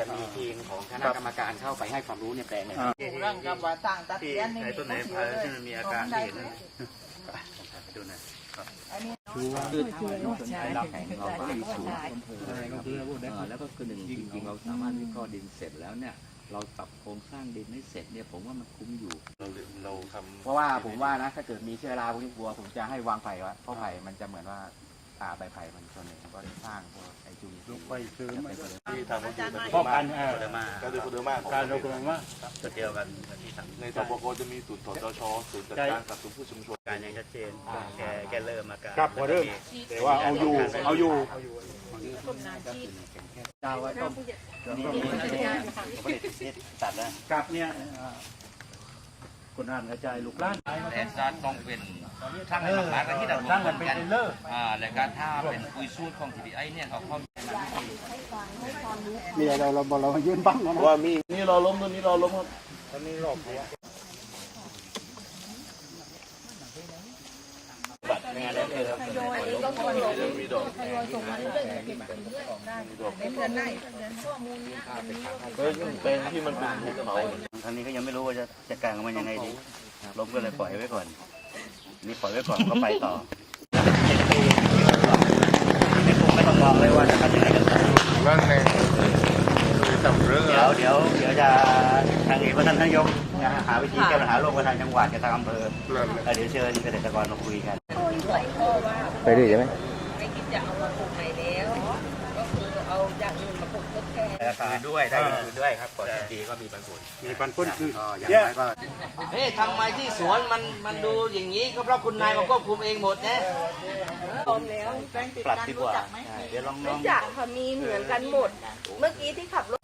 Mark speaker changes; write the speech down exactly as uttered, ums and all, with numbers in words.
Speaker 1: มีทีมของคณะกรรมการเข้าไปให้ความรู้ในแปลงเนี่ย
Speaker 2: เรื่องกับว่าต่างตัด
Speaker 3: ที่
Speaker 2: เลี้ยน
Speaker 3: ไอ้ต้นไหนพายที่มันมีอาการที่เห็นนั่นดูหน่อย
Speaker 2: อันนี้
Speaker 4: คือถ้าเราสนใจเราแข่งเราก็มีสูตรแล้วก็คือหนึ่งจริงๆเราสามารถวิเคราะห์ดินเสร็จแล้วเนี่ยเราปรับโครงสร้างดินให้เสร็จเนี่ยผมว่ามันคุ้มอยู่
Speaker 3: เราเราทำ
Speaker 1: เพราะว่าผมว่านะถ้าเกิดมีเชื้อราพวกนี้กลัวผมจะให้วางไผ่ไว้เพราะไผ่มันจะเหมือนว่าอ่าใบไผ่มันส่วนหนึ่งมันก็สร้างพวกไอจุลินทรีย์
Speaker 5: ไปซื้อมา
Speaker 3: ที่ทำก็คือ
Speaker 5: ป้องกัน
Speaker 3: โคเดอร์มา
Speaker 5: การดูโคเดอร์มาการดูโคเดอร์มา
Speaker 3: ตัวเดียวกันที่ทำ
Speaker 5: ในสปกจะมีศูนย์ถอจชศูนย์จัดการกับศูนย์ผู้ชุมชน
Speaker 3: การยังชัดเจนแกแกเริ่มอาการ
Speaker 5: ครับพอเริ่มแต่ว่าเอาอยู่เอาอยู่
Speaker 4: ดาวไว้ต้มนี่ผลิตนี่ตัดแล้ว
Speaker 5: กับเนี่ยคนอ่านกระจายลูกล้าน
Speaker 6: แต่จะต้องเป็นช่างให้หลักๆที่เรา
Speaker 5: ช่างกันเป็นเลิศ
Speaker 6: อ่าและการถ้าเป็นปุยสูตรของ ที ดี ไอ เนี่ยเอาเข้า
Speaker 5: มีอะไรเราเราเรายื่นบ้างนะว่ามีนี่รอล้มตัวนี้รอล้มครับตอนนี้รอบหัว
Speaker 4: ไม่งั้นได้เลยครับ
Speaker 2: โดยนี้ก็ควรมีดอกทยอยส่งมาเรื่อยๆเก็บได้ในเดือนได้ข้อมูลนี้วันนี้
Speaker 5: เฮ้ยเป็นที่มันเป็นภูเขา
Speaker 4: ทางนี้ก็ยังไม่รู้ว่าจะจัดการกับมันยังไงดีล้มก็เลยปล่อยไว้ก่อนนี่ปล่อยไว้ก่อนก็ไปต่อไม่คงไม่ต้องมองเลยว่าจะทำยังไงกันต่อ
Speaker 5: บ้างเลยทำเรื่อง
Speaker 4: เดี๋ยวเดี๋ยวเดี๋ยวจะทางเอกท่านนายกจะหาวิธีแก้ปัญหาโรคกับทางจังหวัดกับทางอำเภอเดี๋ยวเชิญเกษตรกรมาคุยกันไปด้วยใช่ไหม
Speaker 2: ไม่คิดจะเอามาปลูกใหม่แล้วก็คือเอาอย่างอื่นมาปลูกทดแทน
Speaker 1: คืนด้วยได้คืนด้วยครับก่อนดีก็มีปันผล
Speaker 5: มีปันพ้นคือ
Speaker 1: ก็อย่าง
Speaker 5: เยอะ
Speaker 1: ไรก็
Speaker 6: เฮ้ยทำไมที่สวนมันมันดูอย่างนี้ก็เพราะคุณนายมาควบคุมเองหมดนะ
Speaker 2: ตอนแล้วแป้งติด
Speaker 4: ปรับ
Speaker 2: กัน
Speaker 4: ดีก
Speaker 2: รู้
Speaker 4: ว่า
Speaker 2: จักไหม
Speaker 4: เดี๋ยวลองล
Speaker 7: ไม่
Speaker 4: อง
Speaker 7: จักค่ะมีเหมือนกันหมด เมื่อกี้ที่ขับรถ